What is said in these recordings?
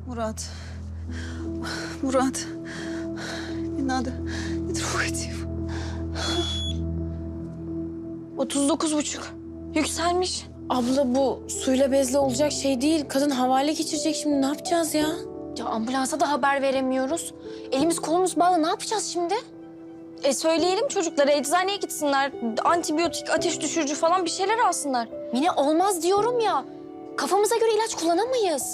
Murat. Murat. Не надо. Не трогайте его. 39,5. Yükselmiş. Abla bu suyla bezle olacak şey değil. Kadın havale geçirecek şimdi. Ne yapacağız ya? Ya ambulansa da haber veremiyoruz. Elimiz kolumuz bağlı. Ne yapacağız şimdi? Söyleyelim çocuklara eczaneye gitsinler. Antibiyotik, ateş düşürücü falan bir şeyler alsınlar. Mine olmaz diyorum ya. Kafamıza göre ilaç kullanamayız.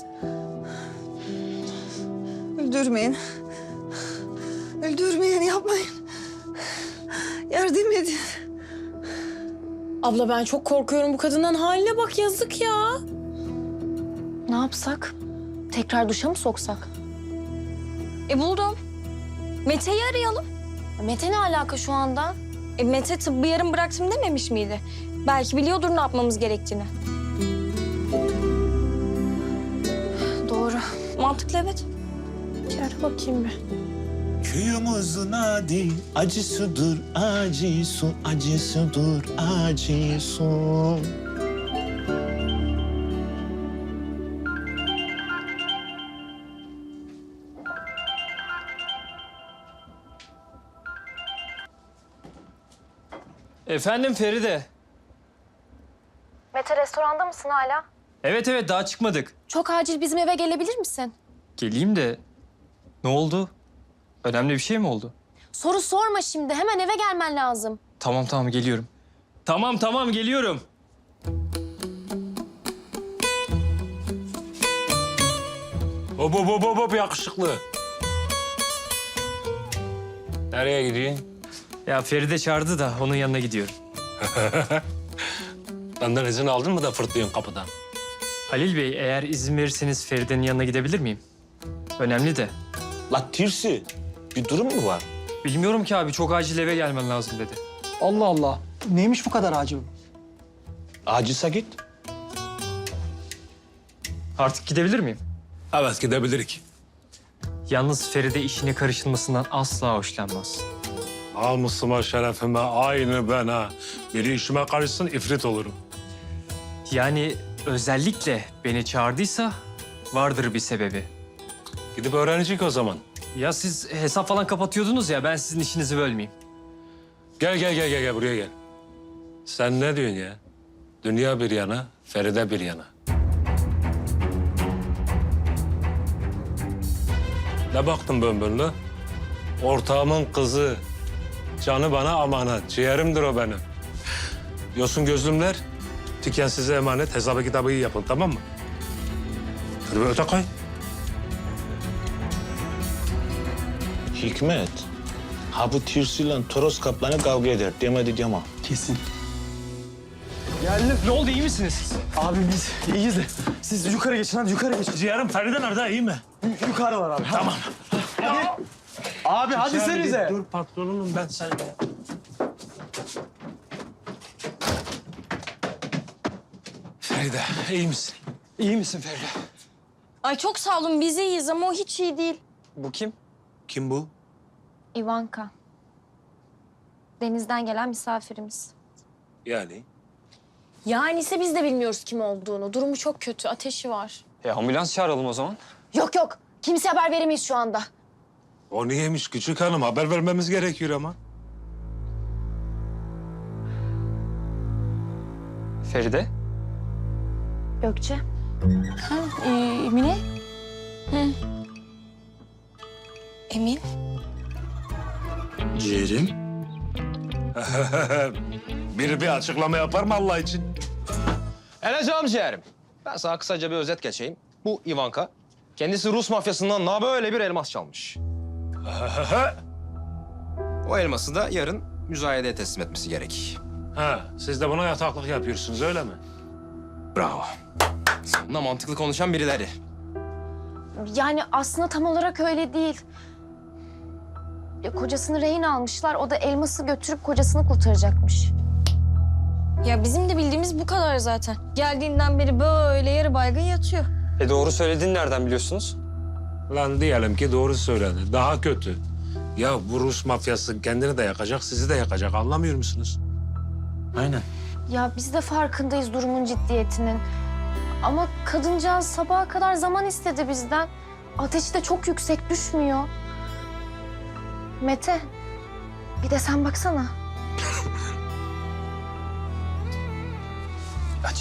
Öldürmeyin. Öldürmeyin, yapmayın. Yardım edin. Abla ben çok korkuyorum bu kadından. Haline bak, yazık ya. Ne yapsak? Tekrar duşa mı soksak? Buldum. Mete'yi arayalım. Mete ne alaka şu anda? Mete tıbbı yarım bıraktım dememiş miydi? Belki biliyordur ne yapmamız gerektiğini. Doğru. Mantıklı, evet. Gel bakayım bir. Köyümüzün adı acısıdır, acısı, acısıdır, acısı. Efendim Feride. Mete restoranda mısın hala? Evet evet daha çıkmadık. Çok acil bizim eve gelebilir misin? Geleyim de ne oldu? Önemli bir şey mi oldu? Soru sorma şimdi. Hemen eve gelmen lazım. Tamam geliyorum. Tamam geliyorum. Hop yakışıklı. Nereye gidiyorsun? Ya Feride çağırdı da onun yanına gidiyorum. Benden izin aldın mı da fırtlıyorsun kapıdan? Halil Bey eğer izin verirseniz Feride'nin yanına gidebilir miyim? Önemli de. La Tirsi, bir durum mu var? Bilmiyorum ki abi çok acil eve gelmen lazım dedi. Allah Allah. Neymiş bu kadar acil? Acilse git. Artık gidebilir miyim? Evet gidebilirik. Yalnız Feride işine karışılmasından asla hoşlanmaz. Namusuma, şerefime aynı ben ha. Biri işime karışsın ifrit olurum. Yani özellikle beni çağırdıysa vardır bir sebebi. Gidip öğrenecek o zaman. Ya siz hesap falan kapatıyordunuz ya ben sizin işinizi bölmeyeyim. Gel buraya gel. Sen ne diyorsun ya? Dünya bir yana, Feride bir yana. Ne baktın bömbürlü? Ortağımın kızı. Canı bana amanet. Ciğerimdir o benim. Yosun gözlümler, tüken size emanet. Hesabı kitabı iyi yapın, tamam mı? Hadi bir öte koy. Hikmet, ha bu Tirsi'yle Toros kaplanı kavga eder demedi diyemem. Kesin. Geldim. Ne oldu iyi misiniz siz? Abi biz iyiyiz de siz yukarı geçin, hadi yukarı geçin. Ciğerim Feride nerede, iyi mi? Yukarılar abi. Tamam. Hadi. Abi hadi senize. Dur patronunum ben sen. Feride, iyi misin? İyi misin Feride? Ay çok sağ olun. Biz iyiyiz ama o hiç iyi değil. Bu kim? Kim bu? Ivanka. Denizden gelen misafirimiz. Yani? Yani ise biz de bilmiyoruz kim olduğunu. Durumu çok kötü. Ateşi var. Ambulans çağıralım o zaman. Yok. Kimseye haber veremeyiz şu anda. O niyeymiş küçük hanım? Haber vermemiz gerekiyor ama. Feride. Gökçe. Mine. Emin. Ciğerim? Biri bir açıklama yapar mı Allah için? Eleceğim ciğerim. Ben sana kısaca bir özet geçeyim. Bu Ivanka. Kendisi Rus mafyasından böyle bir elmas çalmış. O elması da yarın müzayedeye teslim etmesi gerek. Ha, siz de buna yataklık yapıyorsunuz öyle mi? Bravo. Sonunda mantıklı konuşan birileri. Yani aslında tam olarak öyle değil. Ya, kocasını rehin almışlar. O da elması götürüp kocasını kurtaracakmış. Ya bizim de bildiğimiz bu kadar zaten. Geldiğinden beri böyle yarı baygın yatıyor. Doğru söylediğini nereden biliyorsunuz? Lan diyelim ki doğru söyledi. Daha kötü. Ya bu Rus mafyası kendini de yakacak, sizi de yakacak. Anlamıyor musunuz? Aynen. Ya biz de farkındayız durumun ciddiyetinin. Ama kadıncağız sabaha kadar zaman istedi bizden. ateşi de çok yüksek, düşmüyor. Mete, bir de sen baksana. Aç.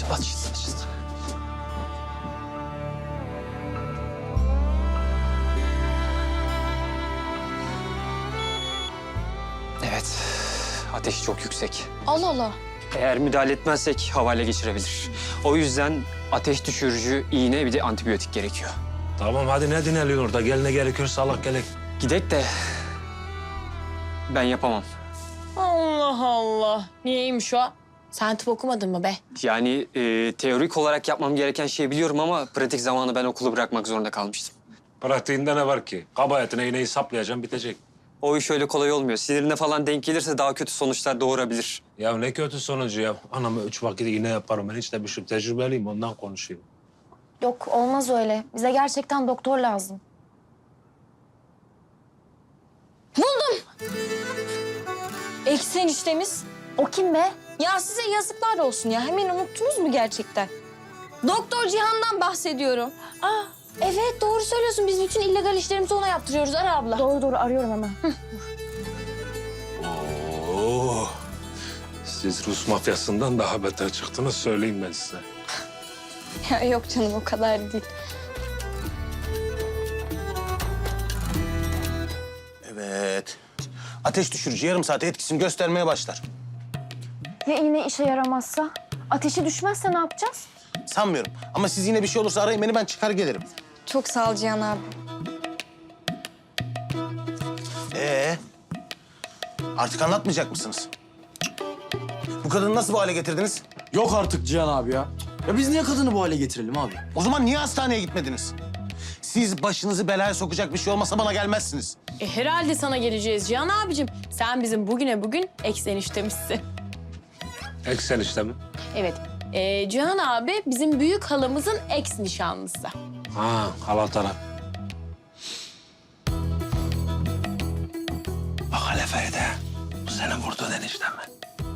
Evet, ateşi çok yüksek. Allah Allah. Eğer müdahale etmezsek havale geçirebilir. O yüzden ateş düşürücü iğne bir de antibiyotik gerekiyor. Tamam hadi ne dineliyorsun orada? Gel ne gerekiyorsa Allah gerek. Gidek de ben yapamam. Allah Allah. Niyeymiş o? Sen tıp okumadın mı be? Yani teorik olarak yapmam gereken şeyi biliyorum ama pratik zamanı ben okulu bırakmak zorunda kalmıştım. Pratiğinde ne var ki? Kabahatine iğneyi saplayacağım bitecek. O iş öyle kolay olmuyor. Sinirine falan denk gelirse daha kötü sonuçlar doğurabilir. Ya ne kötü sonucu ya. Anama 3 vakit iğne yaparım. Ben hiç de bir şey tecrübeliyim ondan konuşuyorum. Yok, olmaz öyle. Bize gerçekten doktor lazım. Eksi eniştemiz. O kim be? Ya size yazıklar olsun ya. Hemen unuttunuz mu gerçekten? Doktor Cihan'dan bahsediyorum. Aa, evet doğru söylüyorsun. Biz bütün illegal işlerimizi ona yaptırıyoruz Ara abla. Doğru arıyorum hemen. Oo. Siz Rus mafyasından daha beter çıktınız söyleyeyim ben size. Ya yok canım o kadar değil. Evet. Ateş düşürücü yarım saate etkisini göstermeye başlar. Ya iğne işe yaramazsa? Ateşi düşmezse ne yapacağız? Sanmıyorum. Ama siz yine bir şey olursa arayın beni, ben çıkar gelirim. Çok sağ ol Cihan abi. Artık anlatmayacak mısınız? Bu kadını nasıl bu hale getirdiniz? Yok artık Cihan abi ya. Ya biz niye kadını bu hale getirelim abi? O zaman niye hastaneye gitmediniz? Siz başınızı belaya sokacak bir şey olmasa bana gelmezsiniz. Herhalde sana geleceğiz Cihan abicim. Sen bizim bugün eksi eniştemizsin. Eksen işte mi? Evet. Cihan abi bizim büyük halamızın ex nişanlısı. Ha hala taraf. Bak hele Feride. Bu senin vurduğun enişten mi?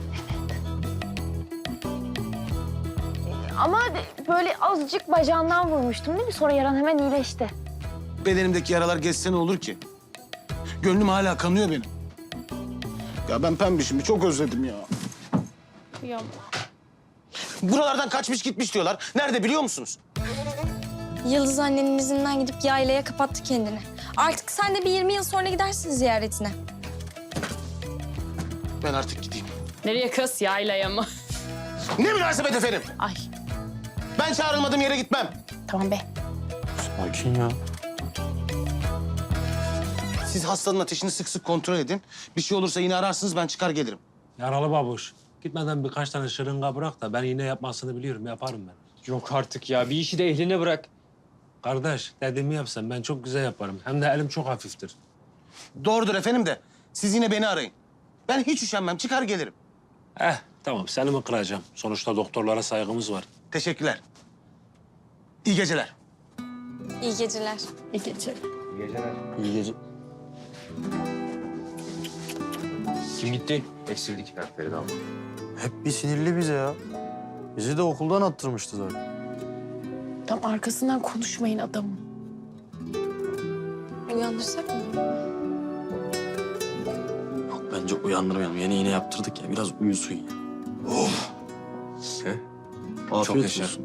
Ama böyle azıcık bacağından vurmuştum değil mi? Sonra yaran hemen iyileşti. Bedenimdeki yaralar geçse ne olur ki? Gönlüm hala kanıyor benim. Ya ben pembişimi çok özledim ya. Ya. Buralardan kaçmış gitmiş diyorlar. Nerede biliyor musunuz? Yıldız annenin izinden gidip yaylaya kapattı kendini. Artık sen de bir 20 yıl sonra gidersin ziyaretine. Ben artık gideyim. Nereye kız? Yaylaya mı? Ne münasebet efendim? Ay Ben çağrılmadığım yere gitmem. tamam be. Sakin ya. Siz hastanın ateşini sık sık kontrol edin. Bir şey olursa yine ararsınız, ben çıkar gelirim. Yaralı babuş. Gitmeden birkaç tane şırınga bırak da ben iğne yapmasını biliyorum. Yaparım ben. Yok artık ya. Bir işi de ehline bırak. Kardeş dediğimi yapsan ben çok güzel yaparım. Hem de elim çok hafiftir. Doğrudur efendim de siz yine beni arayın. Ben hiç üşenmem, çıkar gelirim. Tamam seni mi kıracağım? Sonuçta doktorlara saygımız var. Teşekkürler. İyi geceler. İyi geceler. İyi geceler. İyi gece. Kim gitti? Eksildik Feride abla. Hep bir sinirli bize ya. Bizi de okuldan attırmıştı zaten. Tam arkasından konuşmayın adamın. Uyandırsak mı? Yok bence uyandırmayalım. Yeni iğne yaptırdık ya. Biraz uyusun ya. Afiyet Çok yaşa. olsun.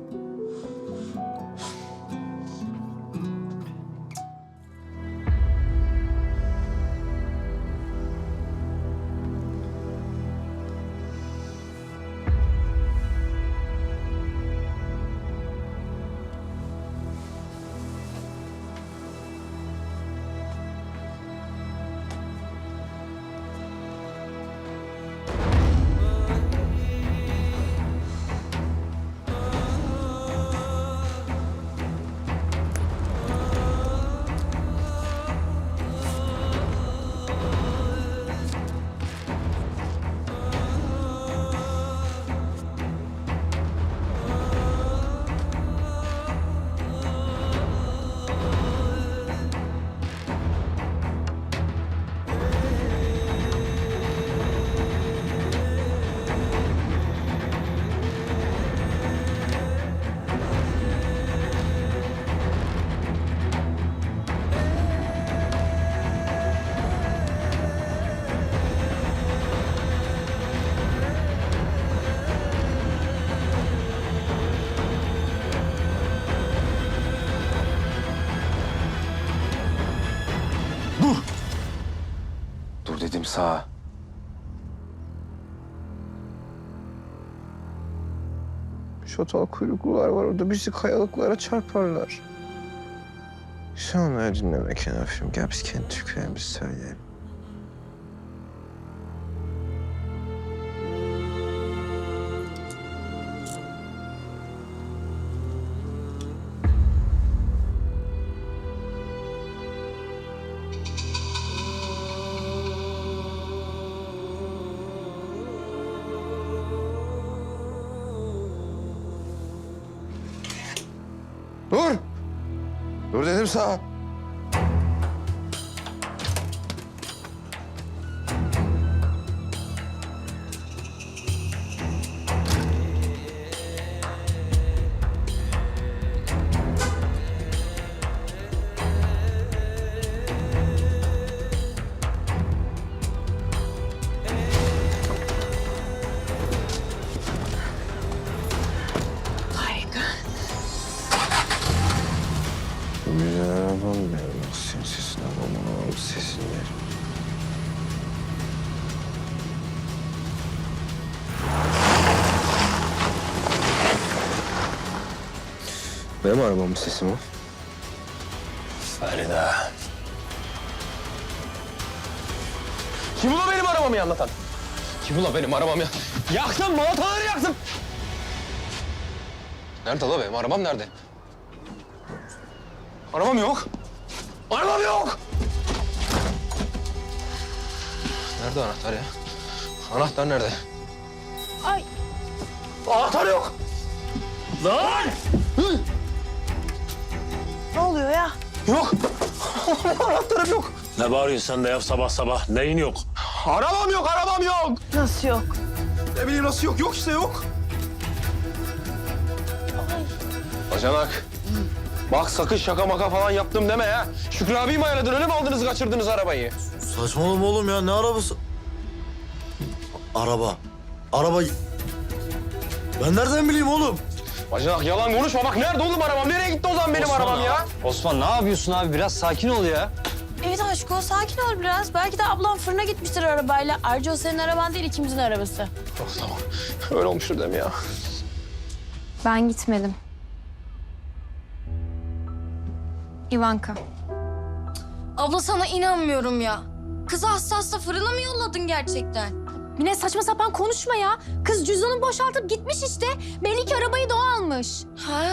Sağa. Şatal kuyruklular var orada. Bizi kayalıklara çarparlar. Sen onları dinleme Kenafir'im. Gel biz kendi türkülerimizi söyleyelim. Dur! Dur dedim sana. Güzel arabam benim. Bak senin sesine babamın sesini ver. Benim arabamın sesi mi? Ferida. Kim ula benim arabamı anlatan? Kim ula benim arabamı ya? Yaktım, balataları yaktım. Nerede la benim arabam nerede? Arabam yok. Arabam yok. Nerede anahtar ya? Anahtar nerede? Ay. Anahtar yok. Lan! Hı? Ne oluyor ya? Yok. Anahtarım yok. Ne bağırıyorsun sen de ya sabah sabah? Neyin yok? Arabam yok, arabam yok. Nasıl yok? Ne bileyim nasıl yok? Yok işte yok. Bacanak. Bak sakın şaka maka falan yaptım deme ya. Şükrü abiyi mi ayarladın? Öyle mi aldınız kaçırdınız arabayı? Saçmalama oğlum ya, ne arabası? Araba. Araba... Ben nereden bileyim oğlum? Bacanak yalan konuşma. Bak nerede oğlum arabam? Nereye gitti o zaman benim arabam ya? Osman ne yapıyorsun abi? Biraz sakin ol ya. Evet aşkım sakin ol biraz. Belki de ablam fırına gitmiştir arabayla. Ayrıca o senin araban değil ikimizin arabası. Oh, tamam. Öyle olmuştur deme ya. Ben gitmedim. Ivanka. Abla sana inanmıyorum ya. Kızı hasta fırına mı yolladın gerçekten? Mine saçma sapan konuşma ya. Kız cüzdanını boşaltıp gitmiş işte. Belli ki arabayı da o almış. Ha.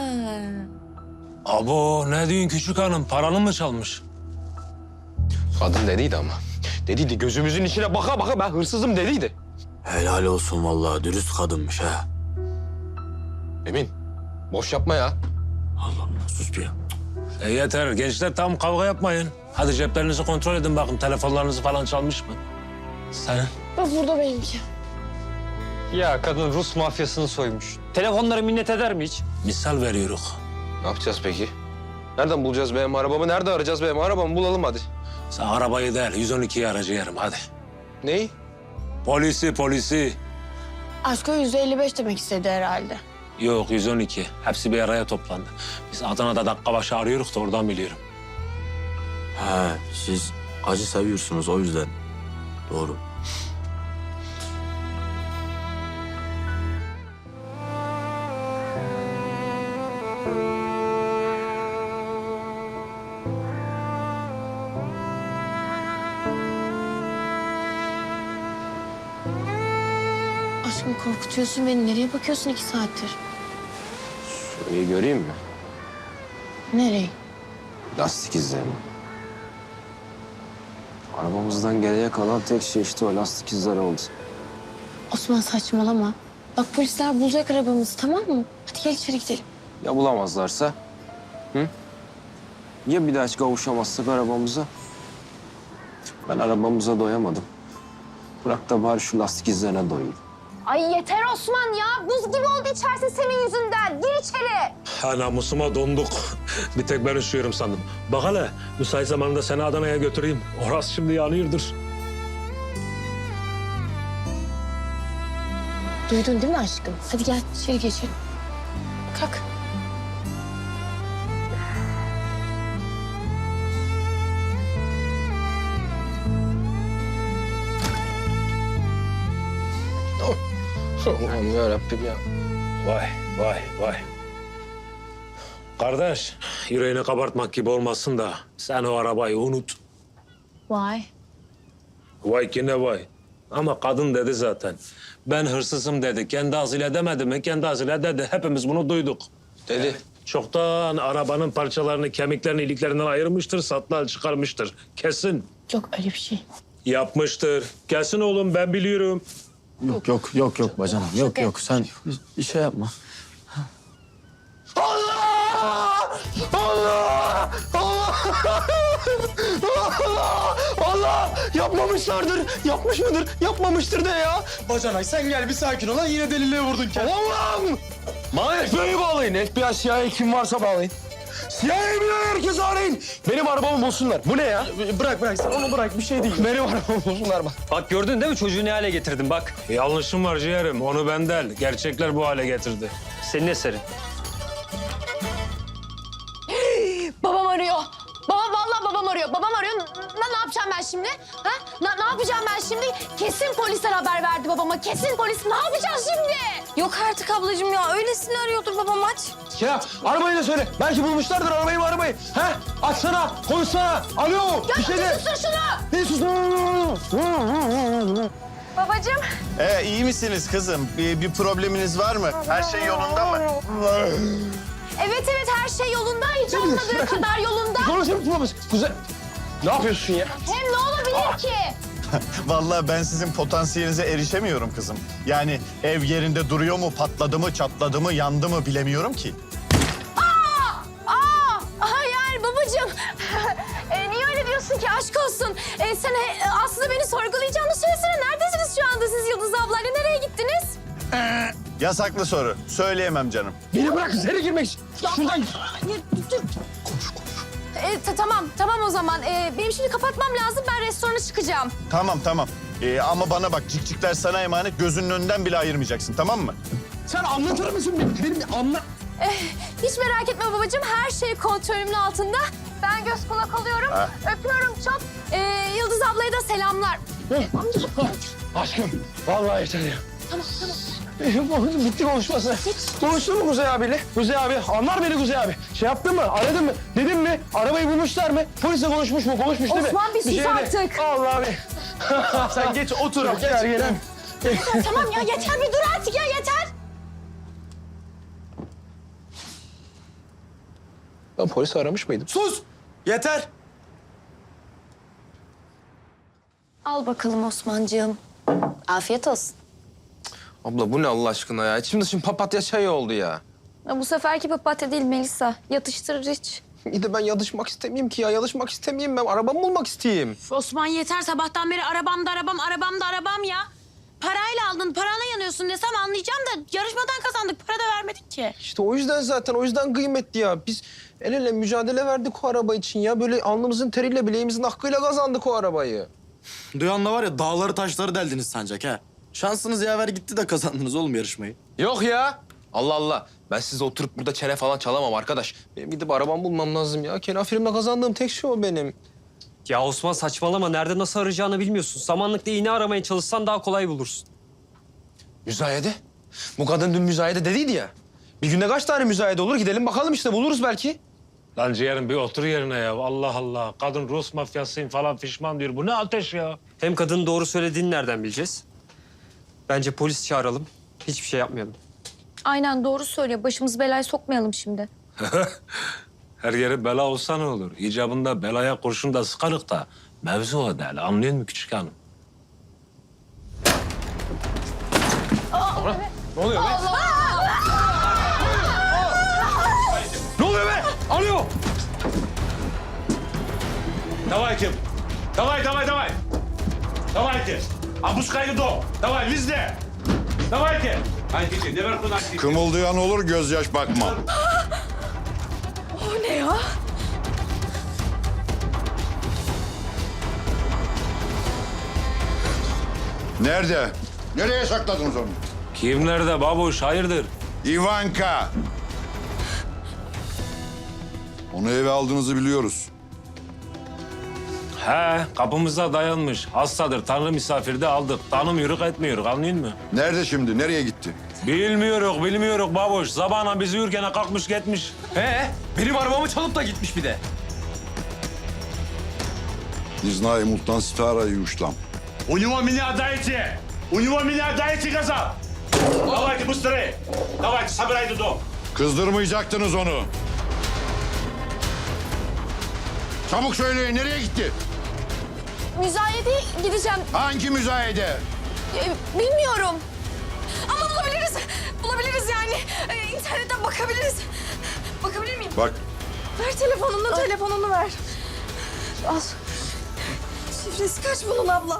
Abo ne diyorsun küçük hanım? Paranı mı çalmış? Kadın dediydi ama. Dediydi gözümüzün içine baka baka ben hırsızım dediydi. Helal olsun vallahi, dürüst kadınmış ha. Emin boş yapma ya. Allah Allah, sus bir ya. Yeter gençler, tam kavga yapmayın. Hadi ceplerinizi kontrol edin bakın, telefonlarınızı falan çalmış mı? Sen? Bak burada benimki. Ya kadın Rus mafyasını soymuş. Telefonları minnet eder mi hiç? Misal veriyoruz. Ne yapacağız peki? Nereden bulacağız benim arabamı? Nerede arayacağız benim arabamı? Bulalım hadi. Sen arabayı değil, 112'yi aracı yerim hadi. Neyi? Polisi. Aşko 155 demek istedi herhalde. Yok 112. Hepsi bir araya toplandı. Biz Adana'da dakika başı arıyoruz da oradan biliyorum. He, siz acı seviyorsunuz o yüzden. Doğru. Aşkım korkutuyorsun beni. Nereye bakıyorsun 2 saattir? Şurayı göreyim mi? Nereye? Lastik izlerini. Arabamızdan geriye kalan tek şey işte o lastik izleri oldu. Osman saçmalama. Bak polisler bulacak arabamızı tamam mı? Hadi gel içeri gidelim. Ya bulamazlarsa? Hı? Ya bir daha hiç kavuşamazsak arabamıza? Ben arabamıza doyamadım. Bırak da bari şu lastik izlerine doyayım. Ay yeter Osman ya. Buz gibi oldu içerisi senin yüzünden. Gir içeri. Ha namusuma donduk. Bir tek ben üşüyorum sandım. Bak hele, müsait zamanında seni Adana'ya götüreyim. Orası şimdi yanıyordur. Duydun değil mi aşkım? Hadi gel içeri geçelim. Kalk. Allah'ım yarabbim ya. Vay, vay, vay. Kardeş, yüreğini kabartmak gibi olmasın da sen o arabayı unut. Vay. Vay ki ne vay. Ama kadın dedi zaten. Ben hırsızım dedi. Kendi ağzıyla demedi mi? Kendi ağzıyla dedi. Hepimiz bunu duyduk. Dedi. Çoktan arabanın parçalarını, kemiklerini, iliklerinden ayırmıştır, satlığa çıkarmıştır. Kesin. Yok öyle bir şey. Yapmıştır. Kesin oğlum, ben biliyorum. Yok bacanam. Yok. Sen bir şey yapma. Allah! Yapmamışlardır. Yapmış mıdır? Yapmamıştır de ya. Bacanay sen gel bir sakin ol. Yine deliliğe vurdun kendini. Allah'ım! Bana FBI'yi bağlayın. FBI, CIA kim varsa bağlayın. CIA'yı bile herkes arayın. Benim arabamı bulsunlar. Bu ne ya? Bırak sen onu bırak. Bir şey değil. Benim arabamı bulsunlar bak. Bak gördün değil mi çocuğu ne hale getirdim bak. Yanlışım var ciğerim. Onu ben değil. Gerçekler bu hale getirdi. Senin eserin. Babam arıyor. Vallahi babam arıyor. Babam arıyor. Ne yapacağım ben şimdi? Ha? Ne yapacağım ben şimdi? Kesin polisler haber verdi babama. Kesin polis. Ne yapacağız şimdi? Yok artık ablacığım ya. Öylesini arıyordur babam aç. Ya arabayı da söyle. Belki bulmuşlardır arabayı. He? Açsana, konuşsana. Alo, bir şey de. Sustur şunu. Ne susun? Babacığım. İyi misiniz kızım? Bir probleminiz var mı? Her şey yolunda mı? Evet her şey yolunda. Hiç olmadığı kadar yolunda. Konuşalım. Kuzey, ne yapıyorsun ya? Hem ne olabilir ki? Vallahi ben sizin potansiyelinize erişemiyorum kızım. Yani ev yerinde duruyor mu, patladı mı, çatladı mı, yandı mı bilemiyorum ki. Yani babacığım. Niye öyle diyorsun ki? Aşk olsun. Sen aslında beni sorgulayacağını söylesene. Neredesiniz şu anda siz Yıldız ablayla? Nereye gittiniz? Yasaklı soru. Söyleyemem canım. Beni bırak, seni girmek için. Şuradan. Tamam o zaman. Benim şimdi kapatmam lazım. Ben restorana çıkacağım. Tamam. Ama bana bak, cikcikler sana emanet. Gözünün önünden bile ayırmayacaksın, tamam mı? Sen anlatır mısın? Benim anla. Hiç merak etme babacığım. Her şey kontrolümün altında. Ben göz kulak oluyorum. Öpüyorum çok. Yıldız ablaya da selamlar. Aşkım, vallahi yeter ya. Tamam. Bitti konuşması. Konuştun mu Kuzey abiyle? Kuzey abi, anlar beni Kuzey abi. Şey yaptın mı, aradın mı, dedin mi? Arabayı bulmuşlar mı? Polisle konuşmuş mu? Konuşmuş değil mi? Osman bir sus şey de- artık. Allah abi. Sen geç, otur. Gel. Tamam ya yeter bir dur artık ya yeter. Ben polisi aramış mıydım? Sus! Yeter! Al bakalım Osmancığım. Afiyet olsun. Abla bu ne Allah aşkına ya? Şimdi papatya çayı oldu ya. Bu seferki papatya değil Melisa. Yatıştırır hiç. İyi de ben yatışmak istemeyeyim ki ya. Yatışmak istemeyeyim ben. Arabamı bulmak isteyeyim. Osman yeter sabahtan beri arabam da arabam ya. Parayla aldın, parana yanıyorsun desem anlayacağım da yarışmadan kazandık, para da vermedik ki. İşte o yüzden zaten, o yüzden kıymetli ya. Biz el ele mücadele verdik o araba için ya. Böyle alnımızın teriyle, bileğimizin hakkıyla kazandık o arabayı. Duyanla var ya, dağları taşları deldiniz sancak ha. Şansınız yaver gitti de kazandınız oğlum yarışmayı. Yok ya. Allah Allah. Ben size oturup burada çene falan çalamam arkadaş. Benim gidip arabamı bulmam lazım ya. Kenafirimle kazandığım tek şey o benim. Ya Osman saçmalama. Nerede nasıl arayacağını bilmiyorsun. Samanlıkta iğne aramaya çalışsan daha kolay bulursun. Müzayede. Bu kadın dün müzayede dediydi ya. Bir günde kaç tane müzayede olur? Gidelim bakalım işte, buluruz belki. Lan ciğerim bir otur yerine ya. Allah Allah. Kadın Rus mafyasıyım falan fişman diyor. Bu ne ateş ya? Hem kadının doğru söylediğini nereden bileceğiz? Bence polis çağıralım. Hiçbir şey yapmayalım. Aynen doğru söylüyor. Başımızı belaya sokmayalım şimdi. Her yeri bela olsa ne olur? İcabında belaya kurşun da sıkarık da mevzu o değil. Anlıyor musun küçük hanım? Ne oluyor be? Ne oluyor be? Alo! Давайте! Давай! Давайте! Опускай до! Давай, везде! Давайте! Haydi, наверху носите. Kımıldayan olur, gözyaş bakma. O ne ya? Nerede? Nereye sakladınız onu? Kim nerede babuş? Hayırdır? Ivanka. Onu eve aldığınızı biliyoruz. He, kapımıza dayanmış. Hastadır, tanrı misafiri de aldık. Tanımıyoruz, etmiyoruz, anlıyor musun? Nerede şimdi? Nereye gitti? Bilmiyoruz baboş. Sabahına bizi yürürken kalkmış gitmiş. Benim arabamı çalıp da gitmiş bir de. Не знаю, мультан старая юштам. У него меня дайте! У него меня дайте, сказал! Давайте быстрее! Давайте, собирайте дом! Kızdırmayacaktınız onu. Çabuk söyleyin, nereye gitti? Müzayedeye gideceğim. Hangi müzayede? Bilmiyorum. Ama bulabiliriz. Bulabiliriz yani. İnternetten bakabiliriz. Bakabilir miyim? Bak, Ver telefonunu, telefonunu ver. Al. Şifresi kaç bunun abla?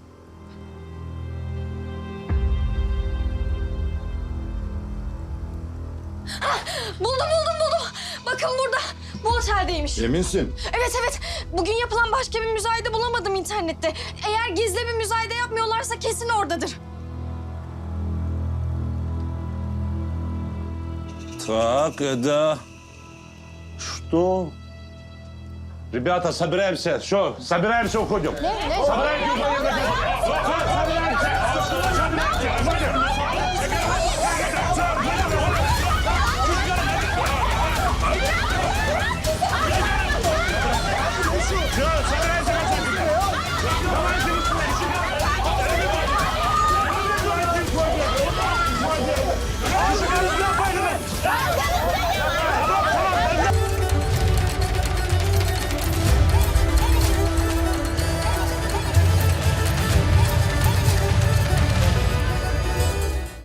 Hah, buldum. Bakın burada. Bu oteldeymiş. eminsin? Evet. Bugün yapılan başka bir müzayede bulamadım internette. Eğer gizli bir müzayede yapmıyorlarsa kesin oradadır. Так, да. Что? Ребята, собираемся. Что? Собираемся, уходим. Собираемся, уходим.